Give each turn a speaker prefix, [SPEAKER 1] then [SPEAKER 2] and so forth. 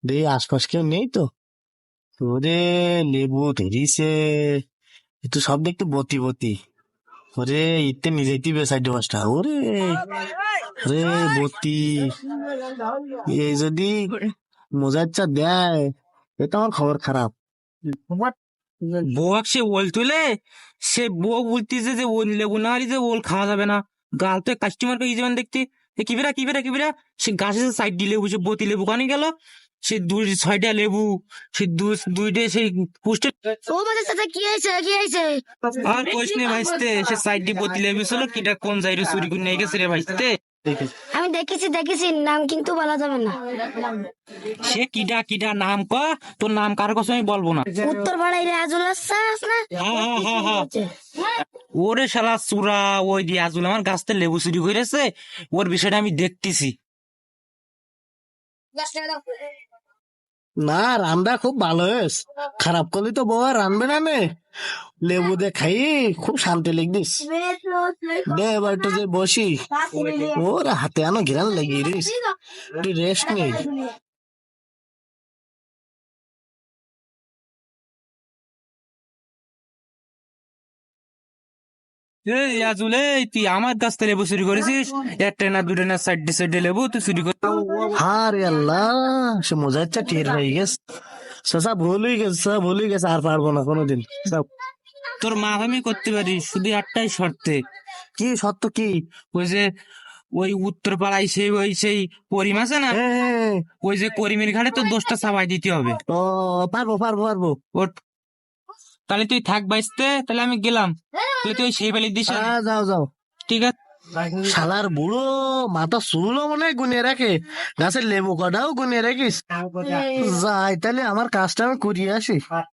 [SPEAKER 1] দে আশপাশ কেউ নেই তো। ওরে লেবু ধরিছে, একটু সব দেখতে বতি বতি। ওরে ইতে নিজেই বেসাইড পাঁচটা। ওরে রে বতি, এই যদি মোজাচ্চা দেয় এ তো আমার খবর খারাপ।
[SPEAKER 2] বউক সে ওল তুলে, সে বউ বলতেছে যে ওল লেবু না হলে যে ওল খাওয়া যাবে না। গাল তো কাস্টমার পেয়ে যাবেন দেখতে। এ কিবিরা কিবিরা কিবিরা, সে গাছের সাইড দিয়ে লেবু, সে বতি লেবু কানে গেল। সে দুই ছয়টা লেবু, সে দুইটে সেই পুষ্টে।
[SPEAKER 3] ও মাঝে সাথে কি হয়েছে কি হয়েছে?
[SPEAKER 2] আর কইস নে ভাইস্তে, সে সাইড দিয়ে বতি লেবু ছিল, কিটা কোন যাইরে চুরি করে নিয়ে গেছে রে ভাইস্তে।
[SPEAKER 3] আমি দেখেছি নাম কিন্তু বলা যাবে না।
[SPEAKER 2] সে কিডা কিডা নাম ক, তোর নাম কার কথা আমি বলবো না।
[SPEAKER 3] উত্তর পাড়ায় রাজুল আছে না?
[SPEAKER 2] ওরে শালা চুরা, ওই রিয়াজুল আমার গাছ থেকে লেবু চুরি করেছে, ওর বিষয়টা আমি দেখতেছি।
[SPEAKER 1] না, রান্না খুব ভালো হয়েছে। খারাপ করলে তো বউ আর রানবে না নে। লেবু দিয়ে খাই খুব শান্তি লিখদিস। দে এবার একটু যে বসি। ওর হাতে আনো ঘিরান লাগিয়ে দিস, একটু রেস্ট নেই।
[SPEAKER 2] এই রিয়াজুল, এই তুই আমার গাছ থেকে লেবু চুরি করেছিস? একটা না দুটো না সাইডে সাইডে লেবু তুই চুরি করে।
[SPEAKER 1] হ্যাঁ রে আল্লাহ, সে মোজাচ্চা টের হয়ে গেছে। সব ভুল হয়ে গেছে, সব ভুল হয়ে গেছে, আর পারবো না কোনোদিন সব।
[SPEAKER 2] তোর মা আমি করতে পারি, শুধু একটাই শর্তে।
[SPEAKER 1] কি সত্য কি?
[SPEAKER 2] ওই যে ওই উত্তর পাড়ায় সেই ওই সেই করিম আছে না,
[SPEAKER 1] হ্যাঁ,
[SPEAKER 2] ওই যে করিমের ঘাটে তোর দোষটা চাপাই দিতে হবে।
[SPEAKER 1] ও পারবো পারবো পারবো।
[SPEAKER 2] ওর তাহলে তুই থাক বাইসতে, তাহলে আমি গেলাম। তাহলে তুই সেই বালি দিস।
[SPEAKER 1] হ্যাঁ, যাও যাও।
[SPEAKER 2] ঠিক আছে।
[SPEAKER 1] শালার বুড়ো মাথা চুলও মনে হয় গুনে রাখে, গাছের লেবু কটাও গুনে রাখিস। যাই তাহলে আমার কাজটা আমি করিয়ে আসি।